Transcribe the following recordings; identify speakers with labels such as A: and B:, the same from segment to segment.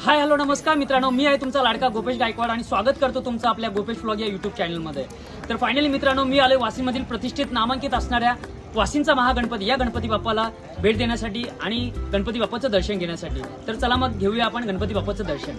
A: Hi hello नमस्कार मित्रांनो, मी आहे तुमचा लाडका गोपेश गायकवाड आणि स्वागत करतो तुमचं आपल्या गोपेश व्लॉग या यूट्यूब चॅनलमध्ये. तर फायनली मित्रांनो, मी आलोय वाशिममधील प्रतिष्ठित नामांकित असणाऱ्या वाशिमचा महागणपती या गणपती बाप्पाला भेट देण्यासाठी आणि गणपती बाप्पाचं दर्शन घेण्यासाठी. तर चला मग घेऊया आपण गणपती बाप्पाचं दर्शन.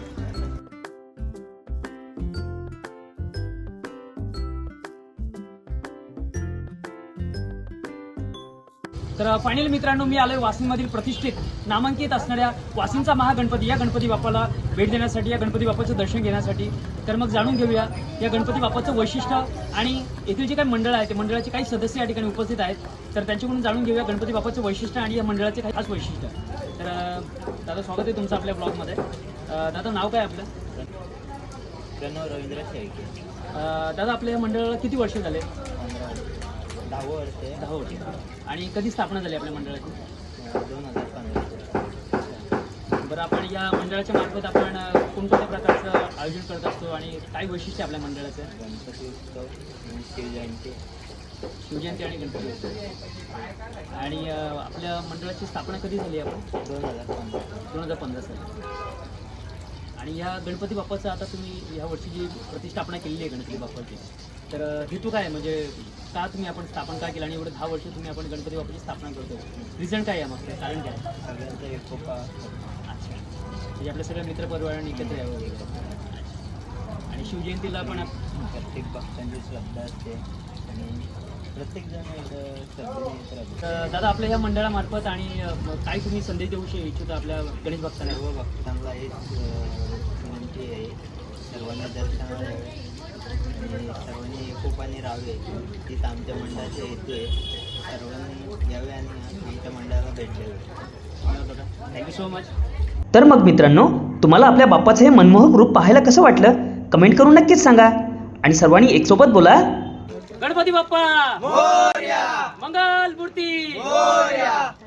A: तर फायनली मित्रांनो, मी आलोय वाशिममधील प्रतिष्ठित नामांकित असणाऱ्या वाशिमचा महागणपती या गणपती बाप्पाला भेट देण्यासाठी, या गणपती बाप्पाचं दर्शन घेण्यासाठी. तर मग जाणून घेऊया या गणपती बाप्पाचं वैशिष्ट्य आणि येथील जे काही मंडळ आहे ते मंडळाचे काही सदस्य या ठिकाणी उपस्थित आहेत. तर त्यांच्याकडून जाणून घेऊया गणपती बाप्पाचं वैशिष्ट्य आणि या मंडळाचे काही खास वैशिष्ट्य. तर दादा, स्वागत आहे तुमचं आपल्या ब्लॉगमध्ये. दादा, नाव काय आपलं?
B: प्रणव रवींद्र शेळके.
A: दादा, आपल्या मंडळाला किती वर्ष झाले?
B: 10 वर्ष.
A: 10 वर्ष. आणि कधी स्थापना झाली आपल्या मंडळाची?
B: 2015.
A: बरं, आपण या मंडळाच्या मार्फत आपण कोणकोणत्या प्रकारचं आयोजन करत असतो आणि काय वैशिष्ट्य आपल्या मंडळाचं?
B: गणपती उत्सव आणि शिवजयंती.
A: शिवजयंती आणि गणपती उत्सव. आणि आपल्या मंडळाची स्थापना कधी झाली आपण? 2015 साली. आणि या गणपती बाप्पाचं आता तुम्ही या वर्षी जी प्रतिष्ठापना केलेली आहे गणपती बाप्पाची, तर हेतू काय, म्हणजे का तुम्ही आपण स्थापन का केलं आणि एवढं 10 वर्ष तुम्ही आपण गणपती बाप्पाची स्थापना करतो? रिझन काय आहे, मग कारण काय?
B: सगळ्यांचा एकोपा.
A: अच्छा, म्हणजे आपल्या सगळ्या मित्रपरिवारांनी एकत्र यावं वगैरे. आणि शिवजयंतीला पण
B: प्रत्येक भक्तांची श्रद्धा असते आणि प्रत्येकजण श्रद्धेने येत राहतो.
A: तर दादा, आपल्या या मंडळामार्फत आणि काय तुम्ही संदेश देऊ इच्छिता आपल्या गणेश भक्तांना?
B: सर्व भक्तांना हेच विनंती आहे, सर्वांनी दर्शनाला यावे आणि सर्वांनी एकोपाने राहावे. तीच आमच्या मंडळाचे हेतू आहे. सर्वांनी यावे आणि आमच्या मंडळाला भेट द्यावी.
A: Thank you so much.
C: तर मग मित्रांनो, तुम्हाला आपल्या बाप्पाचं हे मनमोहक रूप पाहायला कसं वाटलं कमेंट करून नक्कीच सांगा. आणि सर्वांनी एकसोबत बोला,
A: गणपती बाप्पा मोरया, मंगल मूर्ती मोरया.